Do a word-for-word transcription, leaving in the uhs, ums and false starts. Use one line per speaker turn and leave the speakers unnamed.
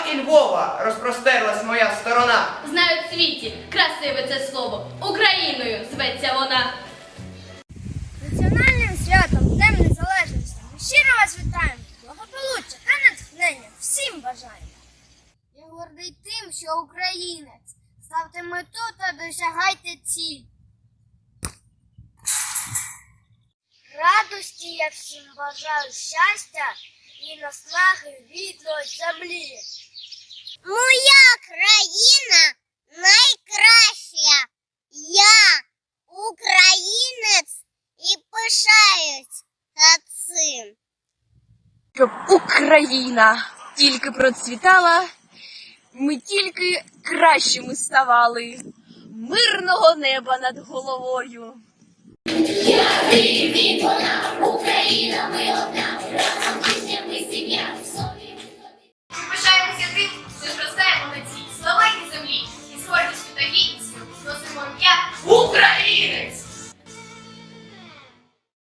і Львова розпростерлась моя сторона.
Знають в світі красиве це слово. Україною зветься вона.
Національним святом Днем Незалежності ми щиро вас вітаємо. Благополуччя та натхнення всім бажаємо. Я гордий тим, що українець. Ставте мету та досягайте ціль. Радості я всім бажаю щастя і наснаги рідної землі.
Моя країна найкраща. Я українець і пишаюсь цим.
Щоб Україна тільки процвітала, ми тільки кращими ставали. Мирного неба над головою.
Я він, вона, Україна, ми одна, разом пісня, ми сім'я, в собі.
Ми пишаємося тим, що зростаємо на цій славетній землі. І з гордістю та гідністю носимо ім'я
Українець!